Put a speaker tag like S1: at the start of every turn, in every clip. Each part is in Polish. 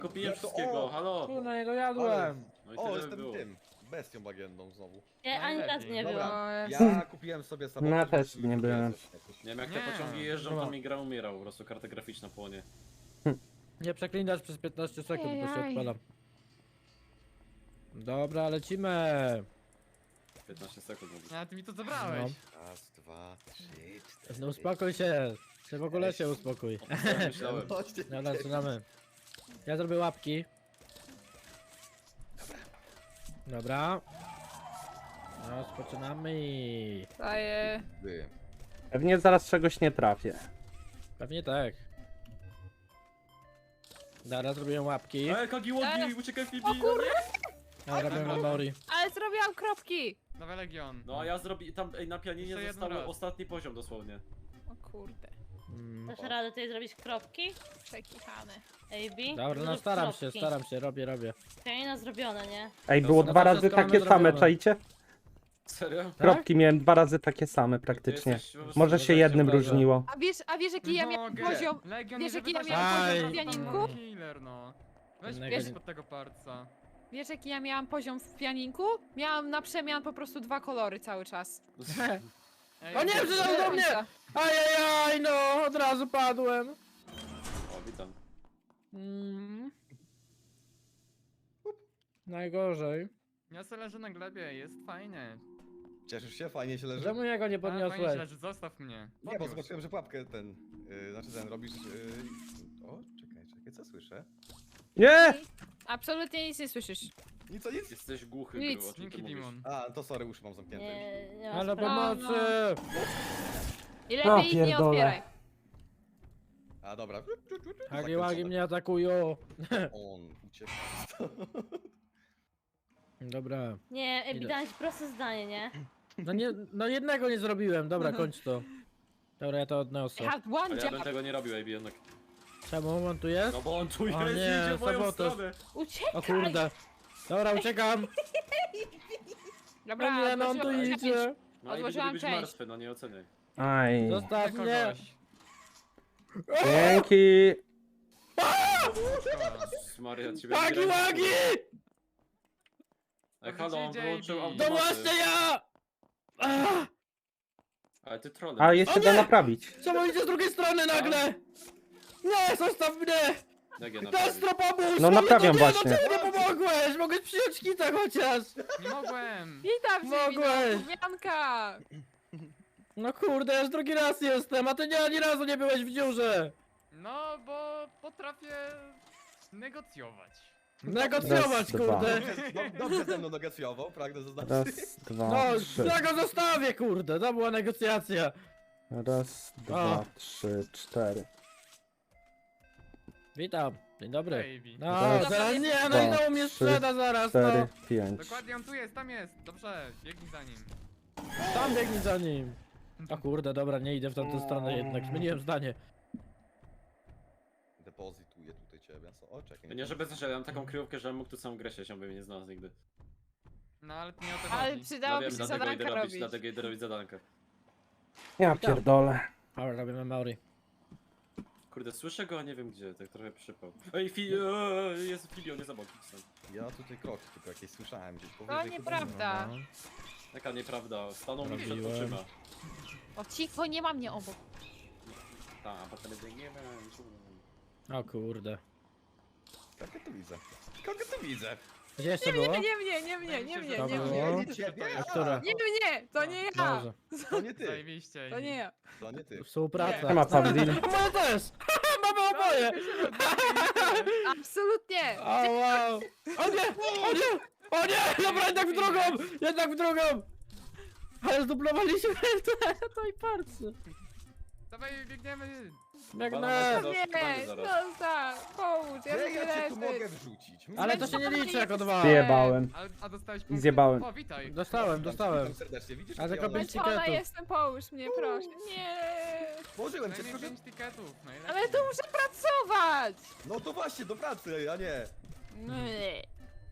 S1: Kupiłem wszystkiego, halo!
S2: Tu na niego jadłem.
S1: No i
S3: O,
S1: tyle
S3: jestem
S1: było.
S3: tym. Bestią bagienną znowu.
S4: Ja ani razu nie
S3: Dobra,
S4: byłam.
S3: ja kupiłem sobie samochód.
S5: Ja też
S3: żeby
S5: nie
S3: sobie
S5: byłem.
S3: coś-
S1: Nie wiem, jak
S6: Nie.
S1: te pociągi jeżdżą,
S2: Dobra.
S1: to mi gra umierał, po prostu karta graficzna płonie.
S2: Nie przeklinasz przez 15 sekund, bo się
S4: Ejaj.
S2: odpalam. Dobra, lecimy.
S1: 15 sekund mówię.
S6: A ty mi to zabrałeś.
S3: Raz, dwa, trzy, cztery.
S2: No uspokój się. Ty w ogóle się uspokój.
S1: O tym myślałem.
S3: Chodźcie.
S2: Dobra, zaczynamy. Ja zrobię łapki. Dobra. Rozpoczynamy.
S7: Daję.
S3: Wy.
S5: Pewnie zaraz czegoś nie trafię.
S2: Pewnie tak. Dobra, zrobiłem łapki.
S1: Kagiłogi, uciekaj Fibi!
S7: O kurde!
S2: Ja robię memory.
S7: Ale zrobiłam kropki!
S6: Dawaj Legion.
S1: No a ja zrobię tam na pianinie
S6: Jeszcze jeden
S1: został
S6: raz.
S1: ostatni poziom dosłownie.
S7: O kurde.
S2: Mm.
S4: Dasz radę tutaj zrobić kropki?
S7: Przekichany.
S4: AB?
S2: Dobra, no
S4: Zrób
S2: staram się, robię.
S4: Okej, no zrobione, nie?
S5: Ej, było
S2: No
S5: dwa
S2: to
S5: razy
S2: wszystko mamy
S5: takie same,
S2: zrobione.
S5: czajcie?
S1: Serio?
S5: Kropki miałem dwa razy takie same praktycznie.
S1: jesteś po prostu
S5: Może się jednym
S2: Boże.
S5: różniło.
S7: A wiesz jaki ja miałem
S6: Mogę.
S7: poziom?
S6: Legion,
S7: wiesz,
S6: nie
S7: jaki ja
S6: wyda się
S7: miałam
S2: poziom
S6: tam
S2: w
S7: pianinku?
S6: Killer, no. Weź
S2: Innego
S6: wiesz
S2: nie-
S6: pod tego parca.
S7: Wiesz jaki ja miałam poziom w pianinku? Miałam na przemian po prostu 2 kolory cały czas.
S6: Ej,
S2: O nie,
S6: Legion,
S2: przyszedł do mnie! Ajajaj, no, od razu padłem.
S1: O, witam.
S2: Mm. Najgorzej.
S6: Ja se leżę na glebie, jest fajnie.
S3: Cieszysz się? Fajnie się leży?
S2: Czemu jego nie
S6: A, fajnie się
S2: podniosłeś?
S6: leży, zostaw mnie.
S3: Nie, bo
S6: Podniósł.
S3: zobaczyłem, że pułapkę ten... znaczy ten robisz... O, czekaj, co słyszę?
S5: Nie!
S7: Absolutnie nic nie słyszysz.
S3: Nic, o nic?
S1: Jesteś głuchy,
S7: Nic.
S1: Gru, o czym ty
S6: Dzięki
S1: mówisz?
S6: Dimon.
S3: A, to sorry, uszy mam zamknięte.
S4: Nie ma
S2: Ale
S4: sprawy.
S2: pomocy!
S7: I
S5: O,
S7: lepiej ich nie
S5: pierdolę.
S7: otwieraj.
S3: A, dobra.
S2: Hagi Wagi mnie atakują.
S3: On uciekł.
S2: Dobra.
S4: Nie, AB,
S2: Idę.
S4: dałem ci proste zdanie, nie?
S2: No nie, no jednego nie zrobiłem, dobra, kończ to. Dobra, ja to odniosę.
S7: Had one
S1: Ale ja bym
S7: job.
S1: tego nie robił, AB, jednak.
S2: Czemu on tu jest?
S1: No bo on tu
S2: O
S1: jest,
S2: nie,
S1: idzie w moją
S2: sabotaż.
S1: stronę.
S4: Uciekaj!
S2: O kurde. Dobra, uciekam.
S7: Dobra,
S2: No nie, no on tu
S7: odłożyłam część.
S2: idzie.
S1: No i
S7: Odłożyłam
S1: będzie być
S7: część.
S1: martwy, no nie oceniaj.
S5: Aj.
S2: Zostaw mnie.
S6: Kogoś.
S5: Dzięki!
S6: Szkoda.
S1: Maria, ciebie
S2: Hagi
S1: nie
S2: Wagi!
S1: Ej, halo, on
S6: Gdzie
S1: wyłączył
S6: JB?
S2: To
S1: automaty.
S2: właśnie ja! Ah,
S1: Ale ty trolem.
S5: A jeszcze
S2: O
S5: da
S2: nie!
S5: naprawić.
S2: czemu idzie z drugiej strony nagle? Nie, zostaw mnie!
S1: Jak je naprawić?
S2: Destro, pomóż!
S5: No naprawiam
S2: nie,
S5: właśnie.
S2: No czemu nie pomogłeś? Mogłeś przyjąć kita chociaż!
S6: Nie mogłem.
S7: Witam cię,
S2: Mogłeś.
S7: Mianka!
S2: No kurde, ja już drugi raz jestem, a ty nie ani razu nie byłeś w dziurze!
S6: No, bo potrafię negocjować.
S2: Negocjować,
S5: Raz, dwa.
S2: kurde!
S3: Dobrze ze mną negocjował, pragnę zaznaczyć.
S5: Raz, dwa,
S2: No,
S5: trzy.
S2: ja go zostawię, kurde, to była negocjacja.
S5: Raz, dwa, trzy, cztery.
S2: Witam, dzień dobry.
S6: Baby.
S2: No,
S5: Raz,
S2: zaraz nie, no
S5: dwa,
S2: i znowu mnie
S5: trzy,
S2: sprzeda zaraz,
S5: Cztery,
S2: no.
S5: pięć.
S6: Dokładnie, on tu jest, tam jest. Dobrze, biegnij za nim.
S2: Tam biegnij za nim. O kurde, dobra, nie idę w tamtą stronę jednak, zmieniłem zdanie.
S3: Depozytuję tutaj ciebie. Co? O, czekaj.
S1: Nie, żeby że ja mam taką kryjówkę, że mógł tu całą grę siedzieć, on by mnie nie znalazł nigdy.
S6: No, ale to nie o to
S7: Ale
S6: chodzi.
S1: No
S7: przydałoby
S1: wiem,
S7: się
S1: dlatego
S7: zadankę
S1: idę robić,
S7: robić.
S1: dlatego idę robić zadankę.
S5: Ja pierdolę.
S2: Dobra, robię memory.
S1: Kurde, słyszę go, a nie wiem gdzie, tak trochę przypał. Ej, jest Filio, nie zabawki są.
S3: Ja tutaj kroki tylko jakieś słyszałem gdzieś
S7: To
S3: powyżej.
S7: nieprawda.
S2: No.
S1: Jaka nieprawda, stanął mi przed
S2: Robiłem.
S1: oczyma.
S7: O cicho, nie ma mnie obok.
S1: Tak, a potem biegniemy.
S2: O kurde.
S3: Kogo tu widzę? Kogo tu widzę?
S2: Gdzie jeszcze było?
S7: Nie mnie, nie mnie, nie mnie,
S2: To
S7: nie
S2: było?
S7: mnie.
S3: Nie ciebie,
S2: A która?
S7: Nie mnie, to nie ja.
S2: Dobrze.
S3: To nie ty.
S6: Zajebiście.
S7: To nie ja.
S3: To nie ty.
S2: Współpraca.
S5: Nie ma Pawlin.
S2: Moje też! Mamy oboje!
S7: Absolutnie.
S2: O wow! O nie! O nie! O nie! Dobra, jednak w drugą! Jednak w drugą! Ale zdublowaliśmy to i parcy.
S6: Dawaj, biegniemy.
S2: Biegnę!
S1: Dobra,
S7: Nie,
S1: chyba zaraz.
S7: zostaw, pomóż, ja
S3: Gdzie
S7: lubię
S3: ja cię tu mogę
S7: leżeć.
S3: wrzucić?
S2: Ale to się nie liczy jako dwa.
S5: Zjebałem.
S6: A dostałeś
S5: I
S6: punkt?
S5: zjebałem.
S6: O, witaj.
S2: Dostałem.
S3: Witam serdecznie, widzisz?
S2: A
S3: jakie
S2: tylko
S3: one-
S2: pięć
S7: Zmęczona
S2: tiketów.
S7: jestem, połóż mnie, proszę. Nie.
S3: Położyłem cię,
S6: Najmniej
S3: tylko że...
S6: 5 tiketów, najlepiej.
S7: Ale tu muszę pracować.
S3: No to właśnie, do pracy, a nie.
S7: Nie.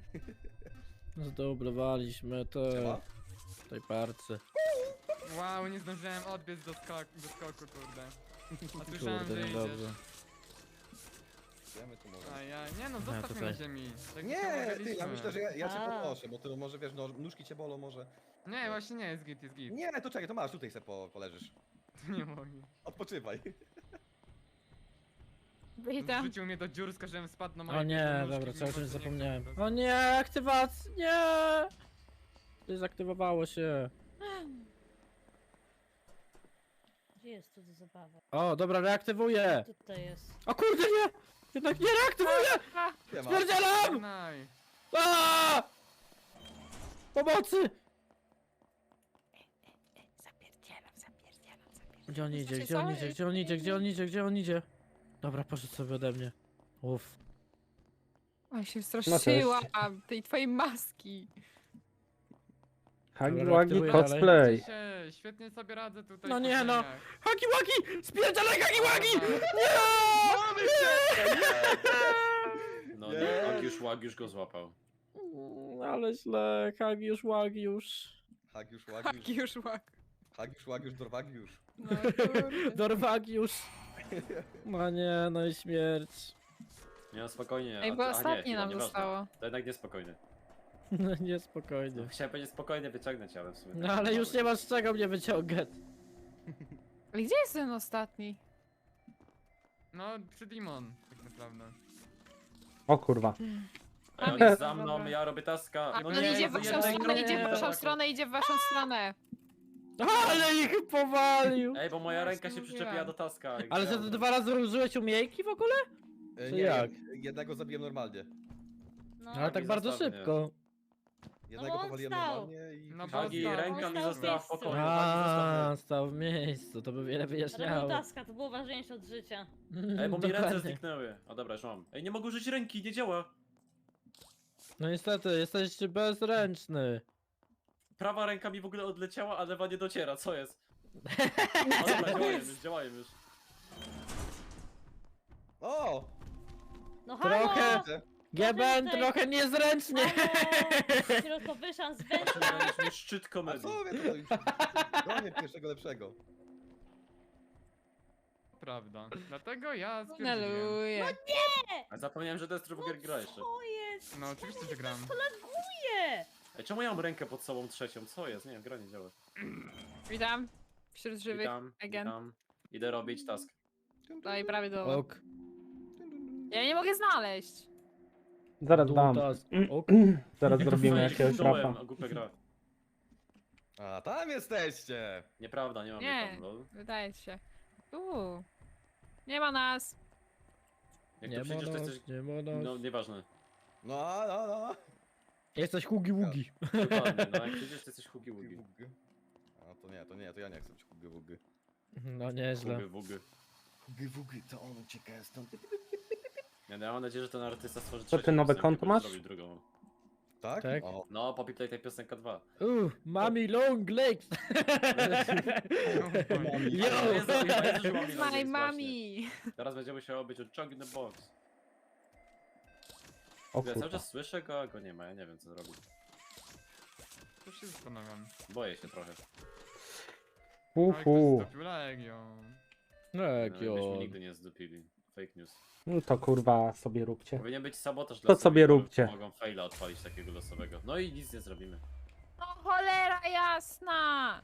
S2: Zdublowaliśmy to
S3: Siema.
S2: tej parcy.
S6: Wow, nie zdążyłem odbiec do skoku, kurde. A słyszałem,
S2: Kurde,
S6: że idziesz.
S2: niedobrze.
S3: Gdzie my tu możemy?
S6: A nie no, zostaw mnie
S2: tutaj.
S6: na ziemi. Tak
S3: Nie,
S6: się
S3: ty, ja
S6: umawialiśmy.
S3: myślę, że ja cię
S4: A.
S3: podnoszę, bo ty może wiesz, no, nóżki cię bolą może.
S6: Nie, właśnie nie, jest git, jest git.
S3: Nie, to czekaj, to masz, tutaj se poleżysz.
S6: Nie mogę.
S3: Odpoczywaj.
S7: Witam.
S6: Wrzucił mnie do dziur, z każdym spadł na moje
S2: O nie,
S6: biedne nóżki,
S2: dobra, cały
S6: mimo
S2: czas
S6: że nie
S2: zapomniałem.
S6: chcę po
S2: O
S6: prostu.
S2: nie, aktywacja, nie! Dezaktywowało się.
S4: Gdzie jest tu do zabawy?
S2: O, dobra, reaktywuję.
S4: Tutaj jest.
S2: O kurde, nie! Jednak nie reaktywuję!
S3: Nie ma.
S2: Spierdzielam!
S6: Żegnaj.
S2: Aaaa! Pomocy! Gdzie on idzie, gdzie on idzie, gdzie on idzie, gdzie on idzie, gdzie on idzie? Dobra, poszedł sobie ode mnie. Uff.
S7: Oj, się straszyłam tej twojej maski.
S5: Hagi
S2: Dobra,
S5: Wagi
S2: aktywuję
S5: cosplay.
S6: Cieszę się, świetnie sobie radzę tutaj.
S2: No
S6: w
S2: nie, no.
S6: poznaniach.
S2: Hagi Wagi! Spierdzalaj Hagi Wagi!
S1: No
S3: Nie.
S1: nie, Agiusz go złapał.
S2: Ale źle, Hagiusz Łagiusz.
S3: Hagiusz,
S7: Haki
S3: Łagiusz,
S7: już łak.
S3: Hagiusz, Dorwagiusz.
S7: No kurde.
S2: Dorwagiusz. No nie, no i śmierć.
S1: Nie, no spokojnie.
S7: Ej,
S1: a-
S7: bo
S1: a nie,
S7: ostatnie
S1: chwila,
S7: nam
S1: nieważne.
S7: zostało.
S1: To jednak niespokojnie.
S2: No niespokojnie.
S1: Chciałem powiedzieć spokojnie, wyciągnąć, ale w sumie...
S2: No
S1: tak
S2: ale już
S1: mało.
S2: nie masz z czego mnie wyciągać.
S7: Ale gdzie jest ten ostatni?
S6: No, przy Demon, tak naprawdę.
S5: O kurwa.
S1: Ej, on jest za mną,
S7: Dobra.
S1: ja robię taska.
S7: A,
S1: No
S7: on
S1: nie,
S7: idzie w
S1: to
S7: waszą
S1: jednak
S7: stronę,
S1: nie.
S7: idzie w waszą
S1: Dobra.
S7: stronę, idzie w waszą stronę.
S2: Ale ich powalił.
S1: Ej, bo moja
S7: Właśnie
S1: ręka się
S7: mówiłam.
S1: przyczepiła do taska. jak
S2: Ale że
S1: grałem.
S2: ty 2 razy użyłeś umiejki w ogóle?
S3: E,
S2: Czy
S3: nie,
S2: jak?
S3: jednego zabiłem normalnie.
S4: No,
S2: Ale tak
S1: mi
S2: bardzo
S1: zostaw mnie.
S2: szybko.
S3: Jednego
S4: on
S3: powaliłem
S4: stał.
S3: normalnie i...
S6: No bo
S1: Hagi,
S6: stał.
S1: ręka
S4: On
S1: mi
S4: stał w
S1: została w
S4: miejscu.
S1: pokoju. Hagi, zostaw
S2: A, stał w miejscu, to by wiele
S4: robił
S2: wyjaśniało.
S4: taska, to było ważniejsze od życia.
S1: mnie. Ej, bo mi ręce
S2: Dokładnie.
S1: zniknęły. O dobra, już mam. Ej, nie mogę użyć ręki, nie działa.
S2: No niestety, jesteś bezręczny.
S1: Prawa ręka mi w ogóle odleciała, a lewa nie dociera, co jest? O dobra, działają już.
S3: O!
S4: No halo!
S2: Trochę-
S3: Widzę.
S2: Geben
S4: tutaj-
S2: trochę niezręcznie.
S4: Halo! Środkowyszan z węża!
S1: Miałeś mi szczyt
S3: A
S1: komedii.
S3: co wy tutaj? Gonię pierwszego lepszego.
S6: Prawda. Dlatego ja stwierdziłem.
S7: Naluję.
S1: A zapomniałem, że Destrugier gra jeszcze.
S4: Co jest?
S6: No oczywiście, że gram.
S4: Nie!
S1: Ej, czemu ja mam rękę pod sobą trzecią? Co jest? Nie wiem, gra nie działa.
S7: Witam. Wśród żywych.
S1: Witam,
S7: again.
S1: witam. Idę robić task.
S7: Daj prawie do.
S2: Ok.
S7: Ja nie mogę znaleźć.
S5: Zaraz dam.
S2: Ok.
S5: Zaraz zrobimy
S1: Fajnie,
S5: jakiegoś
S1: zdołem,
S5: rapa.
S1: a głupia gra.
S3: A, tam jesteście!
S1: Nieprawda, nie mam
S7: Nie.
S1: tam, lol.
S7: Wydaje ci się. Nie ma nas.
S1: Jak
S2: Nie
S1: tu przyjdziesz, to
S2: mono,
S1: jesteś...
S2: nie mono.
S1: No, nieważne.
S3: No.
S2: Jesteś hugi wugi.
S1: Dokładnie, no jak przyjdziesz, to jesteś hugi wugi.
S3: A to ja nie chcę być hugi wugi.
S2: No nieźle.
S1: Hugi wugi.
S3: Hugi wugi, to on ucieka stąd.
S1: Ja mam nadzieję, że ten artysta stworzy
S5: Co, ty
S1: trzecią
S5: nowe
S1: piosenkę,
S5: konto
S1: bo
S5: masz?
S1: zrobił drugą.
S3: Tak?
S2: Tak.
S3: O,
S1: No, Poppy Playtime piosenka 2.
S2: Mami long legs.
S1: Ale
S2: Yo!
S1: nie zrobił, pamiętaj, że mam
S7: My
S1: minąć, właśnie.
S7: mami.
S1: Teraz będzie musiało być Chug in the Box.
S5: O
S1: Ja cały
S5: kurwa.
S1: czas słyszę go, a go nie ma, ja nie wiem co zrobić.
S6: Już się zastanawiam.
S1: Boję się trochę.
S5: Uhu.
S6: Legion.
S1: No,
S2: Legio.
S1: myśmy nigdy nie zdupili. Fake news.
S5: No to kurwa sobie róbcie.
S1: Powinien być sabotaż
S5: To
S1: dla
S5: sobie
S1: osób,
S5: róbcie.
S1: które mogą faila odpalić takiego losowego. No i nic nie zrobimy.
S7: No cholera jasna.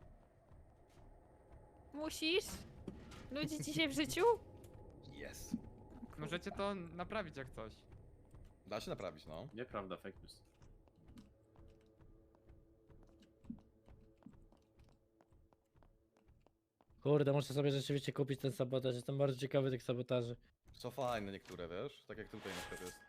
S7: Musisz? Nudzi ci się w życiu?
S3: jest.
S6: Możecie to naprawić jak coś.
S3: Da się naprawić, no.
S1: Nieprawda, fake news.
S2: Kurde, muszę sobie rzeczywiście kupić ten sabotaż. Jestem bardzo ciekawy tych sabotaży.
S3: Co fajne niektóre, wiesz? Tak jak tutaj na przykład jest.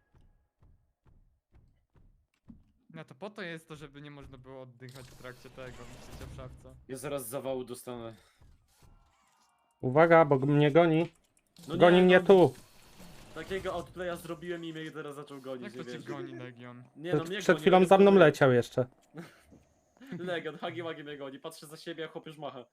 S6: No to po to jest to, żeby nie można było oddychać w trakcie tego, myślicie w szafce.
S1: Ja zaraz zawału dostanę.
S5: Uwaga, bo mnie goni.
S1: No
S5: Goni mnie
S1: no,
S5: tu.
S1: Takiego outplaya zrobiłem i mnie teraz zaczął gonić,
S6: Jak
S1: nie
S6: to cię
S1: wiesz.
S6: goni Legion?
S1: Nie no, mnie
S5: Przed
S1: goni,
S5: chwilą
S1: ale
S5: za mną
S1: to-
S5: leciał jeszcze.
S1: Legion, Hagi Wagi mnie goni, patrzę za siebie, a chłop już macha.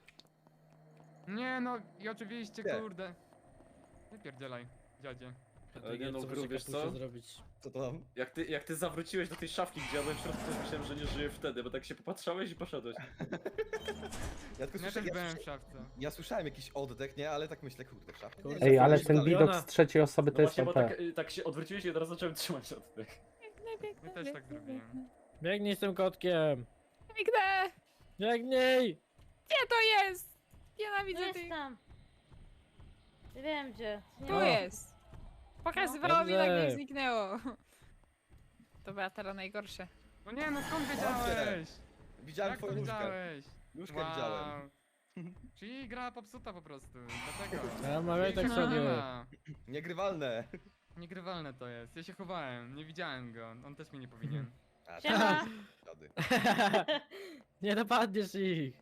S6: Nie no i oczywiście
S3: Nie.
S6: kurde. Wypierdzielaj, dziadzie.
S1: Ale nie no,
S2: Co
S1: Gru,
S2: muszę
S1: wiesz
S2: kapusie
S1: co?
S2: zrobić?
S3: Co to tam?
S1: Jak ty zawróciłeś do tej szafki, gdzie ja byłem w środku, to myślałem, że nie żyję wtedy, bo tak się popatrzałeś i poszedłeś.
S3: Ja tylko
S6: Ja też byłem w szafce.
S3: ja słyszałem jakiś oddech, nie? Ale tak myślę, kurde, w szafie.
S2: Kurde,
S3: Nie,
S5: Ej,
S3: że
S5: ale
S3: coś
S5: ten
S3: dalej.
S5: widok z trzeciej osoby
S1: No
S5: to jest
S1: właśnie, bo
S5: OP.
S1: tak się odwróciłeś i od razu zacząłem trzymać oddech.
S6: Ja też tak zrobiłem.
S2: Biegnij z tym kotkiem!
S7: Biegnę!
S2: Biegnij!
S7: Gdzie to jest?
S4: Tu
S7: Nienawidzę
S4: jest
S7: tych.
S4: tam. Nie wiem gdzie. Nie
S7: Tu
S4: ma.
S7: jest. Pokazywało mi,
S2: Dobrze.
S7: nagle zniknęło. To była teraz najgorsze.
S6: No nie, no skąd wiedziałeś?
S3: Widziałem
S6: Jak to
S3: twoją nóżkę.
S6: wiedziałeś?
S3: Nóżkę widziałem.
S6: Czyli gra popsuta po prostu, dlatego.
S2: Ja mawiaj tak
S6: Jej nie
S2: sobie.
S6: ma.
S3: Niegrywalne.
S6: Niegrywalne to jest. Ja się chowałem, nie widziałem go. On też mi nie powinien.
S3: A,
S4: Siema.
S3: Dziady.
S2: Nie napadniesz ich!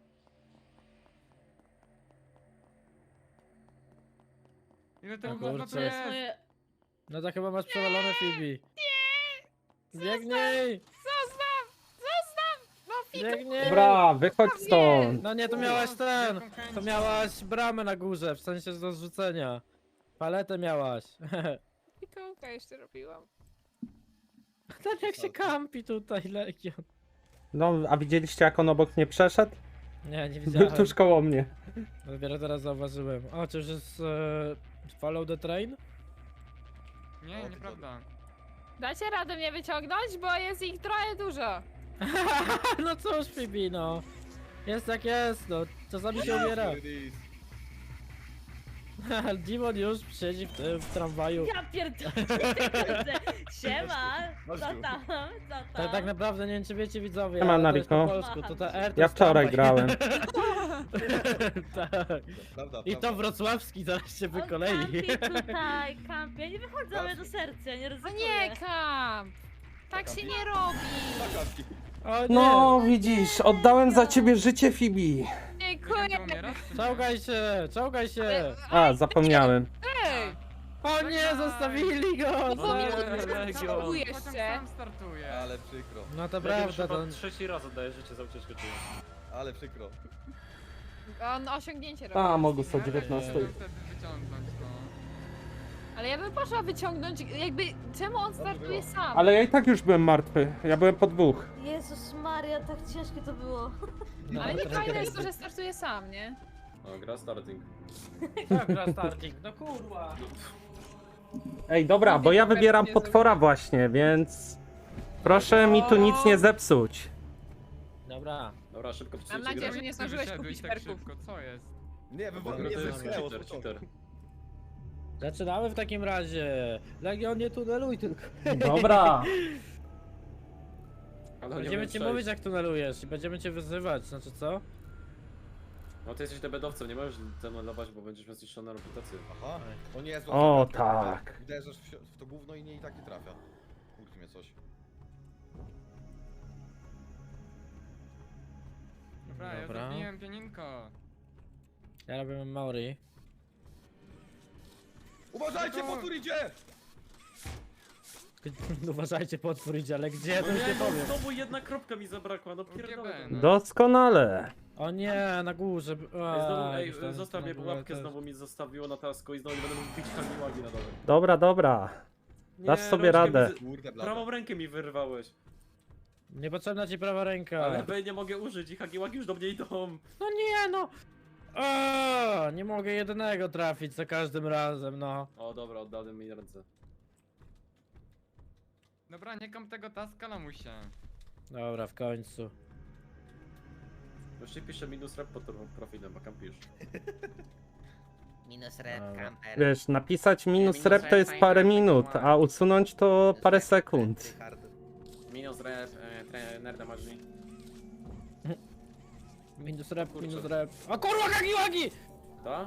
S6: Ile tego
S2: O
S6: gówna
S2: kurczę.
S6: tu
S4: To jest
S6: jest?
S4: moje...
S2: No to chyba masz przewalone, Phoebe. Biegnij!
S7: Zostaw! Zostaw! No Fiku!
S2: Biegnij!
S5: Dobra, wychodź stąd!
S2: No nie, to miałaś
S6: Z
S2: ten!
S6: wielką chęcią.
S2: To miałaś bramę na górze, w sensie do zrzucenia. Paletę miałaś.
S7: Fikołka jeszcze robiłam.
S2: Tak jak się kampi tutaj, Legion.
S5: No, a widzieliście jak on obok mnie przeszedł?
S2: Nie, nie
S5: Był
S2: widziałem.
S5: tuż koło mnie.
S2: Dopiero teraz zauważyłem. O, czy już jest follow the train?
S6: Nie,
S3: O,
S6: nieprawda.
S7: Dacie radę mnie wyciągnąć, bo jest ich trochę dużo.
S2: No cóż, Phoebe, no. Jest jak jest, no. Czasami się umiera.
S3: Release.
S2: Dimon już siedzi w tramwaju.
S4: Ja pierdolę. Siema. Co
S3: Chodź tu.
S4: tam? Co tam?
S2: Tak naprawdę nie wiem czy wiecie widzowie,
S5: Siema,
S2: ale to jest po
S5: Nariko.
S2: polsku, to ta R to
S5: Ja
S2: jest
S5: wczoraj
S2: tramwaj.
S5: grałem.
S2: Tak.
S3: Prawda,
S2: I to
S3: prawda.
S2: wrocławski zaraz się
S4: On
S2: wykolei.
S4: kampi tutaj, kampi. Ja nie wychodzę ale do serca, nie
S7: No
S4: rozumiem.
S7: nie, kamp! Tak się nie robi!
S3: Zakładki.
S2: O nie!
S5: No, widzisz, oddałem za ciebie życie, Phoebe.
S7: Dziękuję!
S6: Ty umierasz, czy nie?
S2: Czołgaj się!
S5: A, zapomniałem.
S7: Ej!
S2: O nie, zostawili go!
S7: Bo mi
S2: Legion.
S7: Próbuję
S6: Potem
S7: jeszcze.
S6: sam startuje.
S3: Ale przykro.
S2: No to
S1: Legion już
S2: prawda,
S1: chyba
S2: to...
S1: trzeci raz oddaję życie za ucieczkę czuję.
S3: Ale przykro.
S7: On osiągnięcie robi.
S5: A, mogę
S6: Ja
S5: sobie
S6: też
S5: 19.
S6: chciałem wtedy wyciągnąć, no.
S7: Ale ja bym poszła wyciągnąć, jakby, czemu on startuje sam?
S5: Ale ja i tak już byłem martwy. Ja byłem po dwóch.
S4: Jezus Maria, tak ciężkie to było.
S2: No,
S7: Ale nie
S2: trochę
S7: fajne jest to,
S2: jest.
S7: że startuje sam, nie?
S1: O, gra starting.
S2: Tak, gra starting, no kurwa.
S5: Ej, dobra, bo ja wybieram potwora właśnie, więc... Proszę mi tu nic nie zepsuć.
S2: Dobra.
S1: Dobra, szybko
S7: Mam
S1: psujcie
S7: nadzieję,
S1: grę.
S7: że nie
S6: Ty
S7: zdążyłeś
S6: wyszedłeś
S7: kupić
S6: tak
S7: perków.
S6: szybko, co jest?
S3: Nie,
S1: Bo
S3: mnie
S1: to jest
S3: wyschnęło.
S1: cheater, cheater.
S2: Zaczynamy w takim razie. Legion, nie tuneluj tylko.
S5: Dobra.
S1: Ale nie
S2: Będziemy
S1: umiem
S2: ci
S1: przejść.
S2: mówić jak tunelujesz i będziemy cię wyzywać, znaczy co?
S1: No ty jesteś debedowcem, nie możesz demonować, bo będziesz miał zniszczoną reputację.
S3: Aha. O nie,
S5: O,
S3: złapałem
S5: tak.
S3: kartę. Uderzasz w to gówno i nie i tak nie trafia. Kurczę mnie coś.
S6: Dobra, ja
S2: Dobra.
S6: zabiłem pianinko.
S2: Ja robię Maori.
S3: Uważajcie, potwór idzie!
S2: Uważajcie, potwór idzie, ale gdzie, to
S1: No
S2: już
S1: nie,
S2: nie
S1: no
S2: powiem.
S1: znowu jedna kropka mi zabrakła, no
S6: UGB,
S1: pierdolę.
S6: no.
S5: Doskonale.
S2: O nie, na górze.
S1: Ej, znowu, ej,
S2: myślałem,
S1: zostaw
S2: że
S1: mnie,
S2: na
S1: bo
S2: górę
S1: łapkę
S2: też.
S1: znowu mi zostawiło na tasku i znowu nie będę mógł bić kamiłagi na dole.
S5: Dobra, dobra. Dasz sobie
S1: rączkę
S5: radę.
S3: Kurde, blada.
S1: Prawą rękę mi wyrwałeś,
S2: Niepotrzebna ci prawa ręka.
S1: ale B nie mogę użyć i hagiłagi już do mnie idą.
S2: No nie, no. O, nie mogę jednego trafić za każdym razem, no.
S1: O dobra, oddałem mi ręce.
S6: Dobra, nie kam tego taska, lamusie.
S2: Dobra, w końcu.
S1: Już ci piszę minus rep pod profilem, a kampisz.
S8: Minus rep,
S2: Dobra.
S8: camper.
S5: Wiesz, napisać minus rep to jest parę minut, a usunąć to parę sekund.
S1: Minus rep, trener damarzy.
S2: Minus rep,
S1: Kurczę.
S2: minus rep. O kurwa, kagiłagi!
S1: Ta?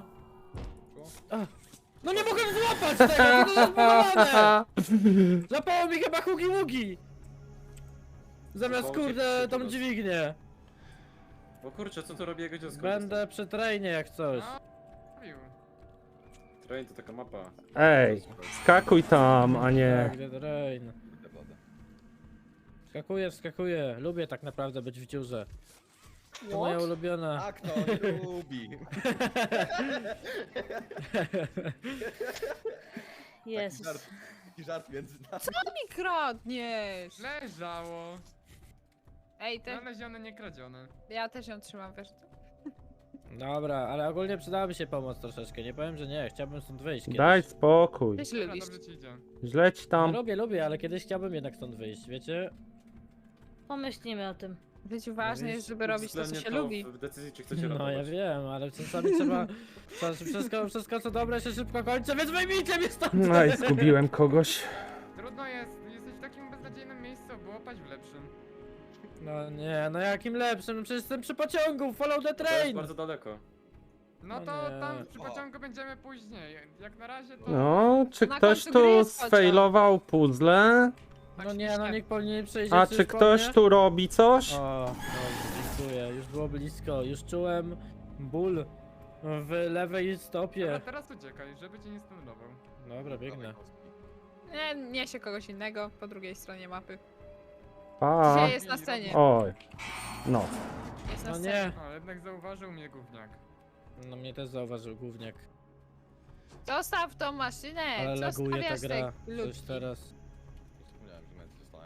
S2: No nie mogę złapać tego, to jest zbudowane! Złapało mi chyba hugi ługi! Zamiast
S1: Złapało cię
S2: kurde
S1: trzy
S2: tą
S1: teraz.
S2: dźwignię.
S1: Bo kurczę, co tu robi jego dziecko?
S2: Będę przy trainie jak coś.
S6: No, mówił.
S1: Train to taka mapa.
S5: Ej, skakuj tam, a nie...
S2: Tak, the train.
S3: Kurde, blada.
S2: Wskakuję, wskakuję. Lubię tak naprawdę być w dziurze. To moja ulubiona.
S3: A kto nie lubi?
S4: Jezus.
S3: Taki żart między nami.
S7: Co mi kradniesz?
S6: Leżało.
S7: Ej, te,
S6: Znalezione, nie kradzione.
S7: ja też ją trzymam, wiesz.
S2: Dobra, ale ogólnie przydałaby się pomoc troszeczkę, nie powiem, że nie, chciałbym stąd wyjść kiedyś.
S5: Daj spokój.
S7: Ty się
S6: Dobra,
S7: lubisz.
S6: dobrze ci idzie.
S5: Źle ci
S2: No,
S5: tam.
S2: lubię, ale kiedyś chciałbym jednak stąd wyjść, wiecie?
S4: Pomyślimy o tym.
S7: W życiu ważne jest, żeby robić to, co
S1: Uwzględnię
S7: się lubi.
S1: w decyzji, czy chcecie
S2: No ja
S1: ratować.
S2: wiem, ale czasami trzeba... Wszystko co dobre się szybko kończy, więc wyjmijcie mnie stąd!
S5: No i zgubiłem kogoś.
S6: Trudno jest, jesteś w takim beznadziejnym miejscu, było paść w lepszym.
S2: No nie, no jakim lepszym, no przecież jestem przy pociągu, follow the
S1: To jest
S2: train!
S1: bardzo daleko.
S6: No
S2: No
S6: to
S2: nie.
S6: tam przy pociągu będziemy później. Jak na razie to...
S5: No, czy
S7: Na
S5: ktoś
S7: końcu gry
S5: tu
S7: jest pociąg.
S5: sfejlował puzzle?
S2: No nie, no niech powinien przejdzie
S5: A
S2: coś
S5: czy
S2: po
S5: ktoś
S2: mnie?
S5: tu robi coś?
S2: O, dziękuję, już było blisko, już czułem ból w lewej
S6: Dobra,
S2: stopie.
S6: teraz uciekaj, żeby cię nie stunował.
S2: Dobra, biegnę.
S7: Nie, niesie kogoś innego po drugiej stronie mapy.
S5: Pa.
S7: Dzisiaj jest na scenie.
S5: Oj. No.
S7: Jest na
S2: No
S7: scenie.
S2: nie,
S6: O, jednak zauważył mnie gówniak.
S2: no mnie też zauważył gówniak.
S7: Zostaw tą maszynę!
S2: Ale
S7: Co
S2: laguje ta
S7: stawiasz te
S2: gra,
S7: ludki?
S2: coś teraz.
S3: Zapomniałem, że męcy dostałem.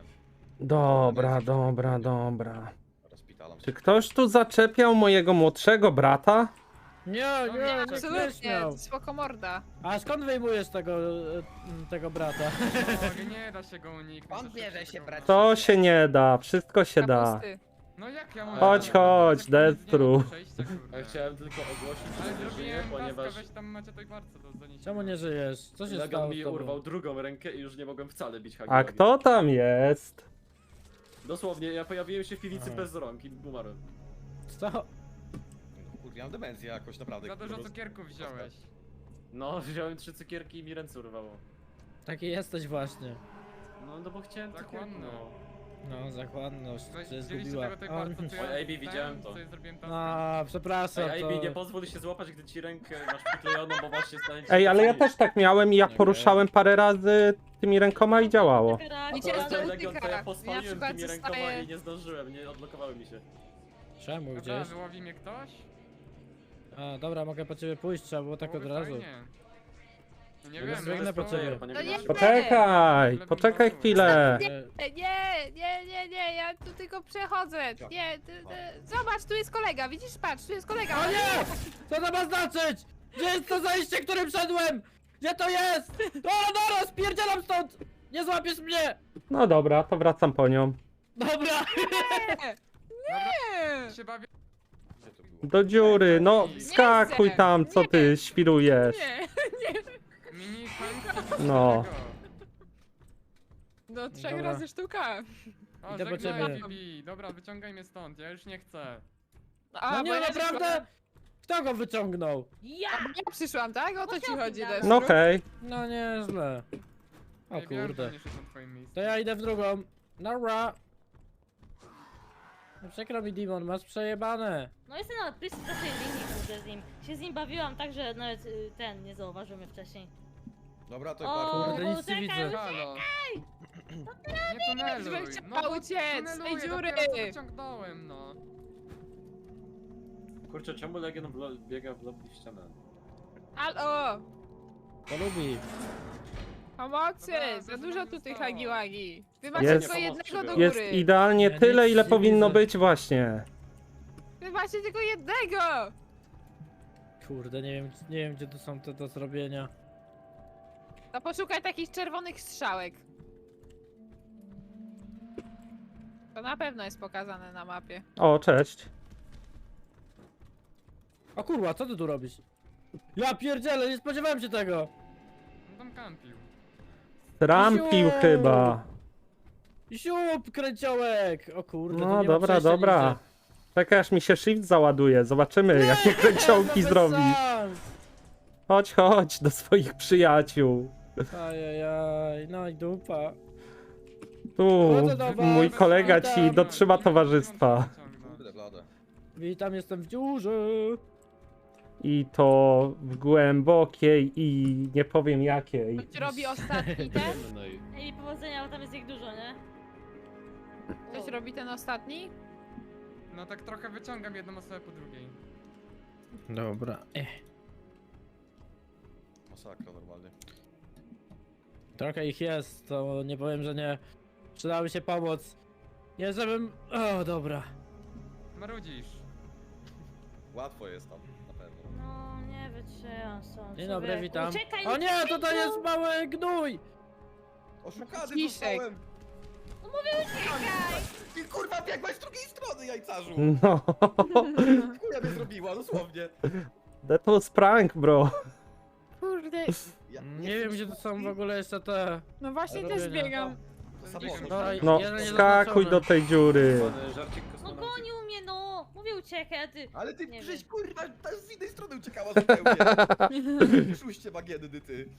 S5: Dobra.
S3: Rozpitalam się.
S5: Czy ktoś tu zaczepiał mojego młodszego brata?
S2: Nie,
S6: Nie,
S2: nie, nie
S7: Absolutnie,
S2: śmiał.
S7: spoko morda.
S2: A skąd wyjmujesz tego brata?
S6: O, nie da się go uniknąć.
S8: On bierze się brać.
S5: To się nie da, wszystko się da.
S7: Kapusty.
S6: No jak ja mam...
S5: Chodź,
S6: Jak
S5: Destru.
S6: nie ma przejścia, kurde.
S1: Ja chciałem tylko ogłosić,
S6: Ale
S1: że nie żyję,
S6: zrobiłem taska,
S1: ponieważ
S6: weź tam macie tej barce do zaniesienia.
S2: Czemu nie żyjesz? Co się
S1: Legan
S2: stało
S1: mi
S2: z tobą?
S1: urwał drugą rękę i już nie mogłem wcale bić
S5: A
S1: Hagiwagi.
S5: kto tam jest?
S1: Dosłownie, ja pojawiłem się w piwnicy
S2: Aha.
S1: bez rąk i umarłem.
S2: Co?
S3: Kurde, ja mam demencję jakoś, naprawdę.
S6: Za dużo
S3: po prostu.
S6: cukierków wziąłeś.
S1: No, wziąłem 3 cukierki i mi ręce urwało.
S2: Taki jesteś właśnie.
S1: No bo chciałem
S6: Zachłanny.
S1: cukierki, no.
S2: No, zachłanność
S6: Weź,
S2: cię
S6: widzieliście
S2: zgubiła.
S6: tego tej barce, co ja
S1: Oj, AB, widziałem to.
S6: co ja zrobiłem taska?
S2: A, przepraszam,
S1: Ej,
S2: to...
S1: AB, nie pozwól się złapać, gdy ci rękę masz przyklejoną, bo właśnie stanie ci
S5: Ej, ale ja
S1: się
S5: też tak miałem i ja
S2: Okej.
S5: poruszałem parę razy tymi rękoma i działało.
S7: Widzicie,
S1: Akurat
S7: to
S1: ten Legion to ja
S7: dotyka.
S1: pospaliłem
S7: Ja na przykład
S1: tymi rękoma
S7: zostaję-
S1: i nie zdążyłem, nie odblokowały mi się.
S2: Czemu,
S6: Dobra,
S2: gdzieś?
S6: wyłowi mnie ktoś?
S2: A, dobra, mogę po ciebie pójść, trzeba było tak od
S6: Byłoby
S2: razu.
S6: fajnie. No nie
S1: Ja
S6: wiem,
S1: bez
S2: biegnę po
S1: player,
S2: ciebie.
S1: panie
S7: No nie-
S1: Grzegorzu.
S5: Poczekaj chwilę.
S7: Nie, ja tu tylko przechodzę. Nie, zobacz, tu jest kolega, widzisz, patrz, tu jest kolega.
S2: O nie! Co to ma znaczyć? Gdzie jest to zajście, którym szedłem? Gdzie to jest? Dobra, spierdzielam stąd! Nie złapiesz mnie!
S5: No dobra, to wracam po nią.
S2: Dobra!
S7: Nie.
S6: się bawię.
S3: Gdzie to było?
S5: Do dziury, no wskakuj tam, co ty świrujesz.
S7: Nie,
S6: Mini Hank.
S5: No.
S7: no 3
S2: Dobra.
S7: razy sztuka.
S6: O,
S2: Idę po
S6: żegnaj,
S2: ciebie.
S6: Bibi. Dobra, wyciągaj mnie stąd, ja już nie chcę.
S7: A,
S2: No
S7: bo
S2: nie,
S7: ja
S2: naprawdę? Kto go wyciągnął?
S4: Ja!
S7: Ja przyszłam, tak? O to ci chodzi,
S4: No
S7: Destru?
S5: No okej.
S2: No nieźle. O
S6: Ej, wiem, że
S2: kurde.
S6: nie szedł na twoim miejscu.
S2: To ja idę w drugą. Nara! No przykro mi, Dimon, masz przejebane.
S4: No jestem na bliskiej linii, kurde, z nim. Się z nim bawiłam tak, że nawet ten nie zauważył mnie wcześniej.
S3: Dobra, to
S4: O,
S3: bardzo.
S2: Kurde, nic nie
S4: uciekaj,
S2: widzę.
S6: Halo. Nie tuneluj.
S7: żebym
S6: No
S7: chciała
S6: bo
S7: uciec z tej
S6: tuneluję,
S7: dziury.
S6: dopiero co wyciągnąłem, no.
S1: Kurczę, czemu Legion biega w lobby w ścianę?
S7: Halo!
S2: To lubi.
S7: Pomocy!
S6: Dobra,
S7: Za
S6: to
S7: dużo
S6: nam
S7: tu tych
S6: zostało.
S7: hagiłagi. Wy macie
S5: Jest-
S7: tylko jednego do
S5: Jest
S7: góry.
S5: idealnie
S2: Ja
S5: tyle,
S2: nic
S5: ile
S2: nie
S5: powinno
S2: widzę.
S5: być właśnie.
S7: Wy macie tylko jednego!
S2: Kurde, nie wiem gdzie tu są te do zrobienia.
S7: To poszukaj takich czerwonych strzałek. To na pewno jest pokazane na mapie.
S5: O, cześć.
S2: O kurwa, co ty tu robisz? Ja pierdzielę, nie spodziewałem się tego!
S6: No tam kampił.
S5: Trampił
S2: Ziu!
S5: chyba.
S2: Siup, kręciołek! O kurde, tu
S5: No
S2: nie ma
S5: dobra,
S2: przejścia
S5: dobra.
S2: nigdzie.
S5: Czekaj aż mi się shift załaduje. Zobaczymy, jakie kręciołki
S2: No bez
S5: zrobi.
S2: szans.
S5: Chodź do swoich przyjaciół.
S2: Ajajaj, no i dupa.
S5: Tu,
S2: Chodzę do was,
S5: mój kolega
S2: witam.
S5: ci dotrzyma towarzystwa.
S3: Kurde, blade.
S2: Witam, jestem w dziurze.
S5: I to w głębokiej i nie powiem jakiej.
S7: Ktoś robi ostatni ten?
S4: I powodzenia, bo tam jest ich dużo, nie?
S7: Ktoś robi ten ostatni?
S6: No tak trochę wyciągam jedną osobę po drugiej.
S2: Dobra.
S3: Masakra normalnie.
S2: Trochę ich jest, to nie powiem, że nie. Przydałaby się pomoc. Nie, żebym... O, dobra.
S6: Marudzisz.
S3: Łatwo jest tam, na pewno.
S4: No, nie wytrzymam stąd.
S2: Dzień dobry,
S4: człowieku.
S2: witam.
S4: Uciekaj,
S2: O nie,
S4: Lucyfinku!
S2: tutaj jest mały gnój!
S3: Oszukany
S7: Ciszek.
S3: zostałem!
S4: No mówię, uciekaj!
S3: Ty kurwa biegłaś z drugiej strony, jajcarzu!
S5: No,
S3: Chuja mnie zrobiła, dosłownie.
S5: that was prank, bro.
S7: Kurde.
S3: Ja
S2: Nie wiem, gdzie to są w ogóle jeszcze te...
S7: No właśnie
S2: Robienia.
S7: też biegam.
S3: Samochód.
S2: Dobra,
S5: No,
S2: jeden nie
S5: skakuj do
S2: zaznaczony.
S5: tej dziury.
S1: Pan żarcik
S4: No
S1: kosmonauty.
S4: gonił mnie, no! Mówię, uciekaj, a ty...
S3: Ale ty
S4: Nie
S3: żeś
S4: wiem.
S3: kurwa, ta z innej strony uciekała zupełnie. Szuście bagienny, ty.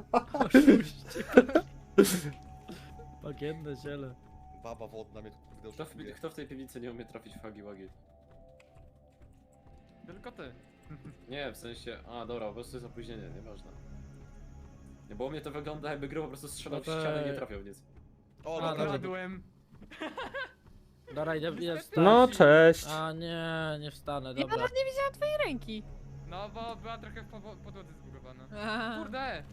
S2: Bagienne ziele.
S3: Baba wodna mnie tu kurde oszukuje.
S1: Kto w tej piwnicy nie umie trafić w hagi-wagi?
S6: Tylko ty.
S1: Nie, w sensie... A, dobra, po prostu jest opóźnienie, nieważne. Nie, bo u mnie to wygląda jakby gry po prostu strzelał w
S2: No to-
S1: ścianę i nie trafiał w nic.
S3: O,
S2: A,
S3: dobra.
S2: dobra.
S6: Kradłem.
S2: Dobra, idę wstać.
S5: No, cześć.
S2: A nie, nie wstanę,
S7: Ja
S2: dobra.
S7: nawet nie widziałam twojej ręki.
S6: No bo była trochę w podłodze zbugowana.
S7: A.
S6: Kurde!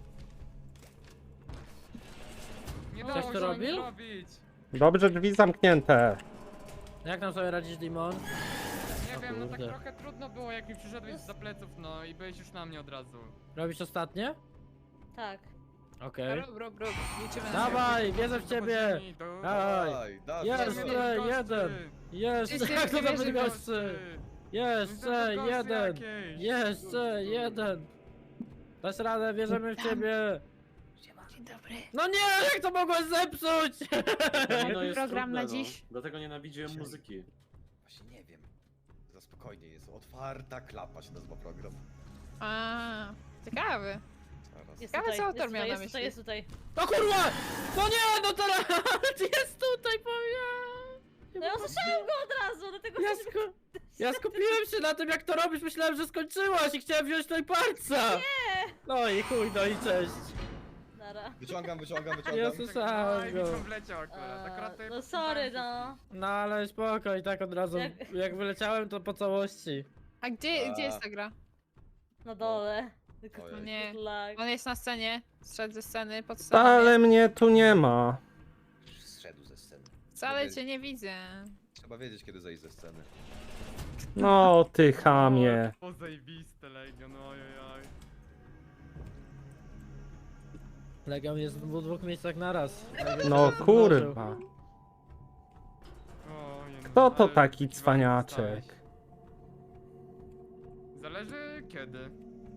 S6: Nie
S2: Coś
S6: dało
S2: tu
S6: się
S2: robił?
S6: nic robić.
S5: Dobrze, drzwi zamknięte.
S2: Jak nam sobie radzisz, Dimon?
S6: Nie
S2: O
S6: wiem, no tak
S2: kurde.
S6: trochę trudno było jak mi przyszedłeś za pleców, no i byłeś już na mnie od razu.
S2: Robisz ostatnie?
S4: Tak.
S2: Okej.
S7: Rób. Liczymy na
S2: Dawaj, wierzę w ciebie! Dawaj!
S3: Daj,
S2: Jeszcze jeden! Jeszcze!
S7: Wszyscy
S2: Jak to
S7: wierzę
S2: za
S7: w
S2: gości! Jeszcze jeden! Jeszcze jeden! Dasz radę, wierzymy w ciebie!
S7: Dzień dobry.
S2: No nie, jak to mogłeś zepsuć?
S1: No jest
S7: program na
S1: trudne,
S7: dziś?
S1: No. Dlatego nienawidziłem muzyki.
S3: Właśnie nie wiem. Za spokojnie jest. Otwarta klapa się nazywa program.
S7: A, ciekawy.
S3: Zaraz.
S4: Jest
S7: Ciekawe,
S4: tutaj,
S7: co autor
S4: jest
S7: miał
S4: tutaj,
S7: na
S4: jest tutaj,
S7: myśli.
S4: jest tutaj.
S2: No kurwa! No nie, no teraz jest tutaj, powiem!
S4: No ja usłyszałam go od razu, dlatego...
S2: Ja skupiłem się na tym, jak to robisz, myślałem, że skończyłaś i chciałem wziąć tutaj palca! Nie! No i chuj, no i cześć!
S4: Nara.
S3: Wyciągam.
S2: Jezus.
S6: No
S2: Słyszałem
S6: i
S2: go.
S6: mi wleciał akurat to
S4: No sorry, no.
S2: No ale spoko, i tak od razu, jak wyleciałem, to po całości.
S7: A gdzie jest ta gra?
S4: Na dole.
S3: Ojej.
S7: Nie.
S4: Lag.
S7: On jest na scenie. Zszedł ze sceny, pod sceną.
S5: Ale mnie tu nie ma.
S3: Zszedł ze sceny.
S7: Wcale cię nie widzę.
S3: Trzeba wiedzieć, kiedy zejść ze sceny.
S5: No, ty chamie.
S6: O, zajebiste Legion, ojojoj.
S2: Legion jest w dwóch miejscach naraz.
S5: No kurwa.
S6: Ojej, no,
S5: Kto to
S6: ale
S5: taki
S6: kiwany
S5: cwaniaczek?
S6: dostałeś. Zależy kiedy.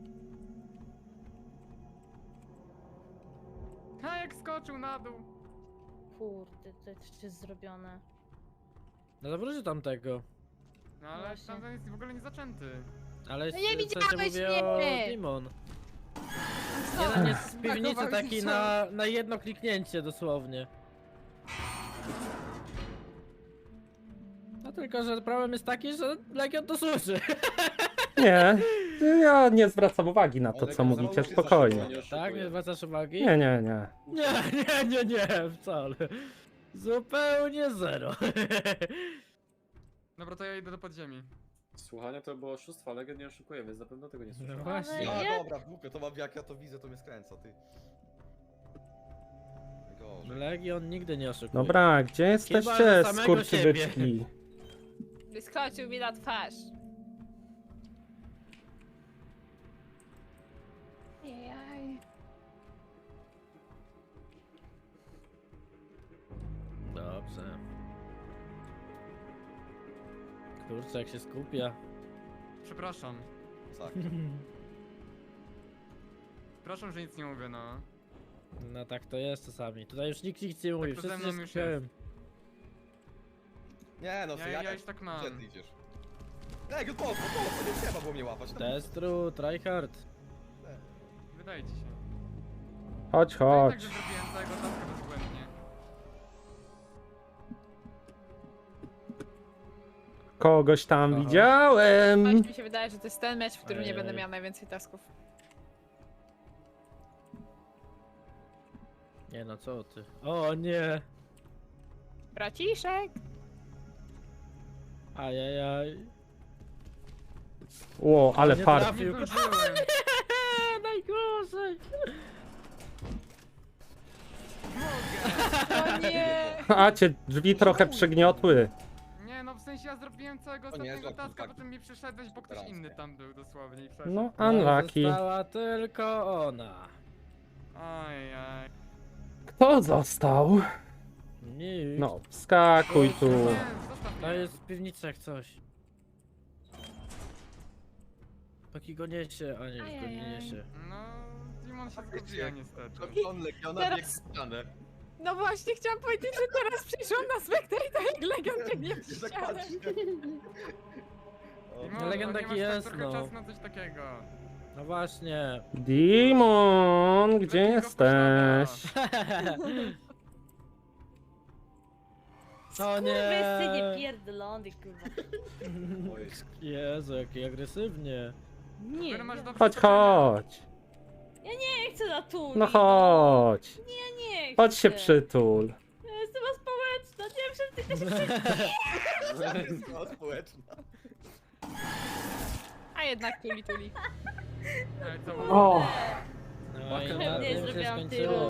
S6: A jak skoczył na dół.
S4: Kurde, to jeszcze jest zrobione.
S2: No zawróć tamtego.
S6: No ale
S4: Właśnie.
S6: tam jest w ogóle nie zaczęty.
S2: Ale
S7: No nie
S2: w sensie
S7: widziałeś
S2: mówię o
S7: mnie!
S2: Demon.
S7: Co?
S2: Jeden jest z piwnicy
S7: Brakowało
S2: taki
S7: mi
S2: na jedno kliknięcie dosłownie. No tylko, że problem jest taki, że Legion to służy.
S5: Nie, ja nie zwracam uwagi na to,
S3: Ale
S5: co
S3: go
S5: mówicie,
S3: założyć
S5: spokojnie.
S1: Nie oszukuję.
S2: Tak, nie zwracasz uwagi?
S5: Nie.
S2: Nie, wcale. Zupełnie zero.
S6: Dobra, to ja idę do podziemi.
S1: Słuchanie to było oszustwo, ale Legend nie oszukuje, więc na pewno tego nie słyszałem.
S2: No właśnie.
S4: Ale
S3: A
S4: jak?
S3: dobra, głupio, to mam, jak ja to widzę, to mnie skręca, ty. Gorzej.
S2: Legion nigdy nie oszukuje.
S5: Dobra, gdzie jesteście,
S2: że samego
S5: skurczybyczki?
S7: Wyskoczył mi na twarz. Jaj.
S2: Dobrze. Kurczę, jak się skupia.
S6: Przepraszam.
S3: Tak.
S6: Przepraszam, że nic nie mówię, no.
S2: No tak to jest czasami. Tutaj już nikt nic nie mówi,
S6: to ze
S2: wszyscy
S6: mną
S2: się
S6: już
S2: skupiają.
S6: Ja,
S3: Nie no,
S6: ja już tak mam.
S3: Gdzie ty idziesz? Ej, po co? Nie trzeba było mnie łapać.
S2: Destru, tryhard.
S6: Wydaje ci się.
S5: Chodź,
S6: To i tak,
S5: chodź.
S6: że zrobiłem całego taska bezbłędnie.
S5: Kogoś tam
S2: Aha.
S5: widziałem.
S7: Coś mi się wydaje, że to jest ten mecz, w którym nie będę
S2: Ej.
S7: miała najwięcej tasków.
S2: Nie no, co ty? O nie!
S7: Braciszek!
S2: Ajajaj.
S5: Ło, ale
S2: Nie
S5: fart.
S2: trafił.
S6: Nie zdążyłem.
S2: Najgorzej!
S5: A cię drzwi trochę przygniotły.
S6: Nie, no w sensie ja zrobiłem całego
S3: To nie,
S6: ostatniego
S3: złap
S6: taska,
S3: tak.
S6: potem mi przyszedłeś, bo ktoś
S3: Teraz.
S6: inny tam był dosłownie i przeszedł.
S5: No, unlucky.
S2: Została tylko ona.
S6: Ojej.
S5: Kto został?
S2: Nikt.
S5: No, wskakuj tu.
S6: Nie, zostaw
S2: To
S6: mnie.
S2: jest w piwnicy jak coś. Taki go niesie, a nie, go nie
S4: Ajajaj.
S2: niesie.
S6: No, Dimon się zgubiła niestety.
S3: Klon Legiona
S7: Teraz-
S3: biegł w ścianę.
S7: No właśnie, chciałam powiedzieć, że teraz przyszłam na Spectator jak Legion biegnie w
S3: Tak
S7: ścianę.
S3: patrzę. O,
S6: Dimon,
S2: Legend
S6: no nie
S2: taki
S6: masz tak
S2: jest,
S6: trochę
S2: no.
S6: czasu na coś takiego.
S2: No właśnie.
S5: Dimon, gdzie
S6: Lepiej go
S5: jesteś?
S2: O
S4: Kurwy,
S2: nie!
S4: nie pierdolony, kurwa.
S3: oj.
S2: Jezu, jaki agresywnie.
S4: Nie,
S6: Który masz
S4: ja
S6: do
S5: Chodź,
S6: przeskoczenia.
S5: chodź.
S4: nie chcę na tu.
S5: No chodź.
S4: Nie chcę.
S5: Chodź się przytul.
S4: Ja jestem społeczna, nie wiem, że ty też chcesz.
S3: No, społeczna.
S7: A jednak tuli.
S6: Ej, co
S5: O.
S2: No i na
S4: Pewnie
S2: tym się
S4: zrobiłam
S2: skończyło.